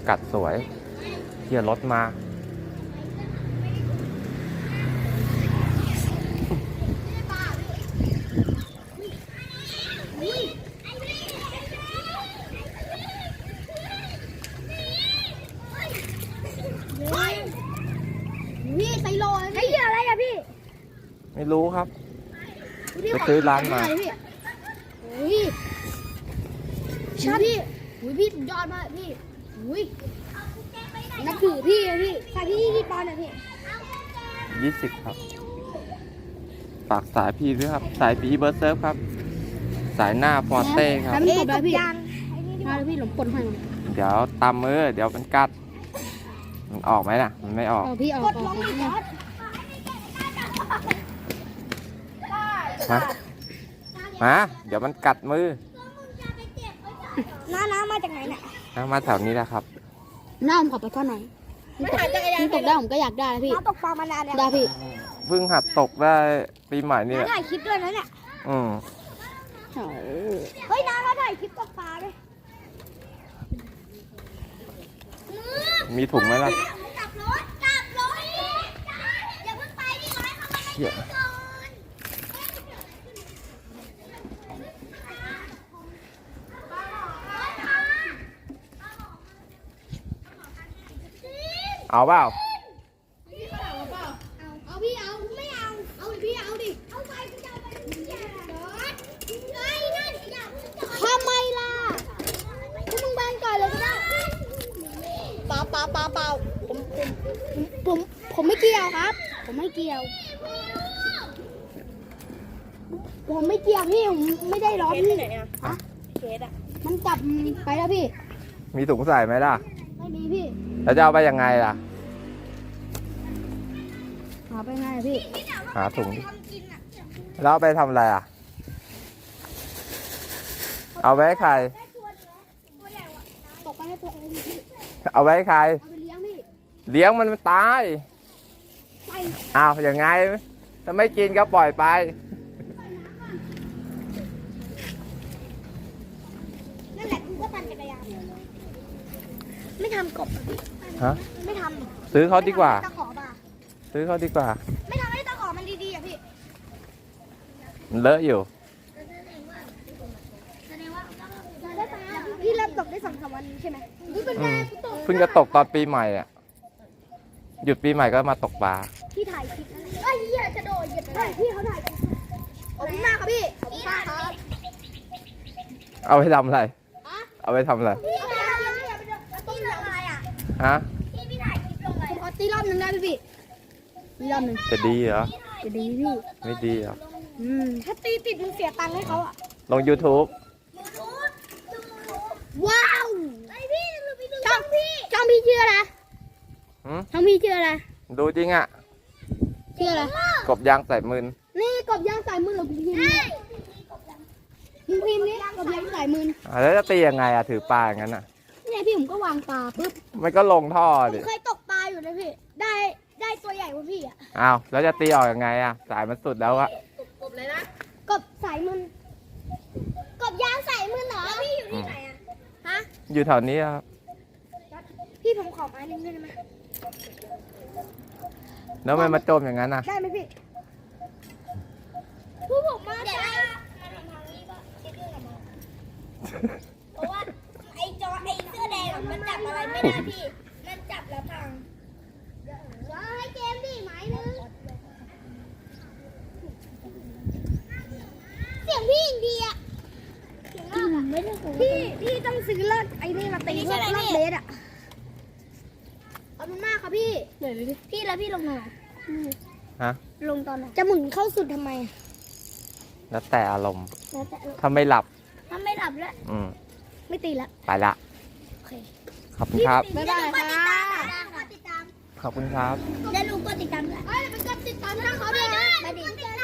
กัดสวยเขี่ยรถมาพี่ไซโลไอ้เหี้ยอะไรอะพี่ไม่รู้ครับไปซื้อร้านมาอุ้ยชัดพี่อุ้ยพี่สุดยอดมากพี่อุ้ยนับถือพี่อะพี่ใส่พี่กี่ปอนด์อะพี่ 20ครับฝากสายพี่ด้วยครับสายปีเบอร์เซิร์ฟครับสายหน้าฟอร์เต้ครับตบแล้วพี่มาเลยพี่หลงปนให้เดี๋ยวตามมือเดี๋ยวมันกัดมันออกไหมน่ะมันไม่ออกพี่ออกลงอีกมาเดี๋ยวมันกัดมือน้ำมาจากไหนเนี่ยมาแถวนี้แหละครับน้าผมขอไปก้อนหน่อยนี่ตกได้ผมก็อยากได้แล้วพี่น้าตกปลามานานได้พี่เพิ่งหัดตกได้ปีใหม่นี่แหละถ่ายคลิปด้วยนะเนี่ยเฮ้ยน้าเขาถ่ายคลิปตกปลาด้วยมีถุงไหมล่ะจับรถอย่าเพิ่งไปดิร้อยเขาไม่ให้ก่อนเอาเปล่าเอาพี่เอาไม่เอาพี่เอาดิเอาไปพี่เอาไปทำไมล่ะคุณมึงแบนก่อนเลยก็ได้เปล่าผมไม่เกี่ยวครับผมไม่เกี่ยวพี่ผมไม่ได้ร้อนพี่ฮะเคสอะมันจับไปแล้วพี่มีถุงใส่ไหมล่ะไม่มีพี่แล้วจะเอาไปยังไงล่ะหาไปไงพี่หาถุงแล้วเอาไปทำอะไรอ่ะเอาไว้ใครตกไปให้ตัวเองพี่เอาไว้ใครเอาไปเลี้ยงพี่เลี้ยงมันตายอ้าวอย่างไงถ้าไม่กินก็ปล่อยไปนั่นแหละกูก็ปั่นจักรยานไม่ทำกบฮะไม่ทำซื้อเขาดีกว่าตะขอป่ะซื้อเขาดีกว่าไม่ทำให้ตะขอมันดีๆอ่ะพี่มันเลอะอยู่พี่เริ่มตกได้2-3 วันใช่ไหมเพิ่งจะตกตอนปีใหม่อ่ะหยุดปีใหม่ก็มาตกปลาพี่ถ่ายคลิปไอ้เหี้ยจะโดดเหยียบไปพี่เขาถ่ายขอบคุณมากครับพี่ขอบคุณมากครับเอาไปทำอะไรเอาไปทำอะไรพี่ทำอะไรอ่ะฮะพี่ถ่ายคลิปลงเลยขอตีรอบนึงได้พี่รอบนึงจะดีเหรอจะดีพี่ไม่ดีเหรอถ้าตีติดมึงเสียตังค์ให้เขาอ่ะลง YouTube ว้าวช่องพี่ชื่ออะไรช่องพี่ชื่ออะไรดูจริงอ่ะชื่ออะไรกบยางใส่มือนี่กบยางใส่มือหรอพิมพ์นี่กบยางใส่มือแล้วจะตียังไงอ่ะถือปลาอย่างนั้นอ่ะเนี่ยพี่ผมก็วางปลาปุ๊บมันก็ลงท่อดิเคยตกปลาอยู่นะพี่ได้ตัวใหญ่กว่าพี่อ่ะอ้าวแล้วจะตีออกยังไงอ่ะสายมันสุดแล้วอะกบเลยนะกบสายมือกบยางใส่มือเหรอพี่อยู่ที่ไหนอ่ะฮะอยู่แถวนี้ครับพี่ผมขอไม้นึงได้ไหมแล้วมันมาจมอย่างนั้นอ่ะได้ไหมพี่ผู้ผมมาจ้าเพราะว่าไอ้เสื้อแดงมันจับอะไรไม่ได้พี่มันจับแล้วพังให้เกมดิไม้นึงเสียงพี่อินเดียพี่ต้องซื้อเลิศไอ้นี่มาตีเลิศเบสอ่ะขอบคุณมากครับพี่พี่แล้วพี่ลงมาฮะลงตอนไหนจะหมุนเข้าสุดทำไมแล้วแต่อารมณ์ถ้าไม่หลับแล้วไม่ตีละไปละขอบคุณครับบ๊ายบายครับขอบคุณครับแล้วลุงก็ติดตามด้วยไปกดติดตามช่องเขาด้วยนะ